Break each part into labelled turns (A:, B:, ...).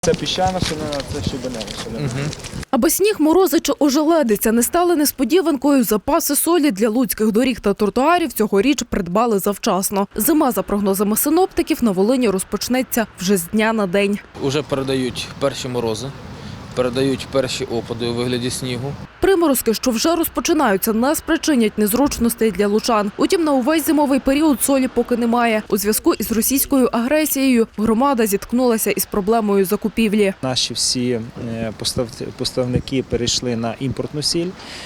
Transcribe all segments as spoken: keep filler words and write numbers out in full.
A: Це піщана солена, це щебенева солена.
B: Угу.
C: Аби сніг, морози чи ожеледиця не стали несподіванкою, запаси солі для луцьких доріг та тротуарів цьогоріч придбали завчасно. Зима, за прогнозами синоптиків, на Волині розпочнеться вже з дня на день.
B: Уже передають перші морози, передають перші опади у вигляді снігу.
C: Приморозки, що вже розпочинаються, не спричинять незручностей для лучан. Утім, на увесь зимовий період солі поки немає. У зв'язку із російською агресією громада зіткнулася із проблемою закупівлі.
A: Наші всі поставники перейшли на імпортну сіль,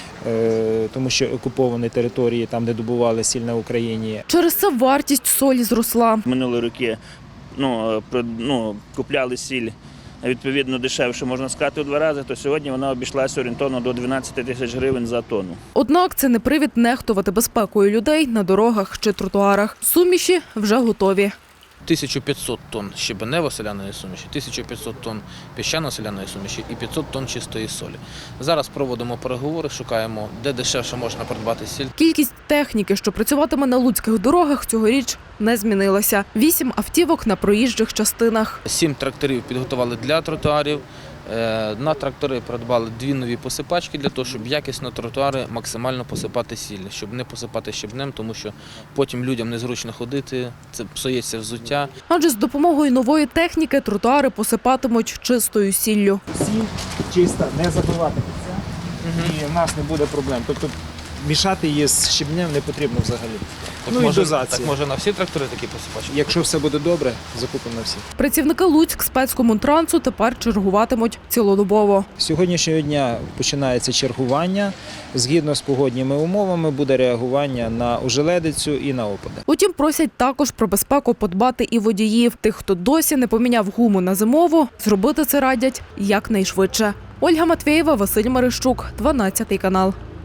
A: тому що окуповані території, там де добували сіль на Україні.
C: Через це вартість солі зросла.
D: Минулі роки ну, ну, купляли сіль відповідно дешевше, можна сказати, у два рази, то сьогодні вона обійшлася орієнтовно до дванадцяти тисяч гривень за тонну.
C: Однак це не привід нехтувати безпекою людей на дорогах чи тротуарах. Суміші вже готові.
B: тисяча п'ятсот тонн щебенево-соляної суміші, тисяча п'ятсот тонн піщано-соляної суміші і п'ятсот тонн чистої солі. Зараз проводимо переговори, шукаємо, де дешевше можна придбати сіль.
C: Кількість техніки, що працюватиме на луцьких дорогах, цьогоріч не змінилася. Вісім автівок на проїжджих частинах.
B: Сім тракторів підготували для тротуарів. На трактори придбали дві нові посипачки для того, щоб якісно тротуари максимально посипати сіллю, щоб не посипати щебнем, тому що потім людям незручно ходити, це псується взуття.
C: Адже з допомогою нової техніки тротуари посипатимуть чистою сіллю.
A: Сіль чиста, не забивати це, і в нас не буде проблем. Тобто мішати її з щебнем не потрібно взагалі.
B: Так,
A: ну
B: може,
A: і дозація.
B: так може на всі трактори такі посипачки?
A: Якщо все буде добре, закупимо на всі.
C: Працівники Луцькспецкомунтрансу тепер чергуватимуть цілодобово.
A: З сьогоднішнього дня починається чергування. Згідно з погодніми умовами буде реагування на ожеледицю і на опади.
C: Утім, просять також про безпеку подбати і водіїв. Тих, хто досі не поміняв гуму на зимову, зробити це радять якнайшвидше. Ольга Матвєєва, Василь Марищук, дванадцятий канал.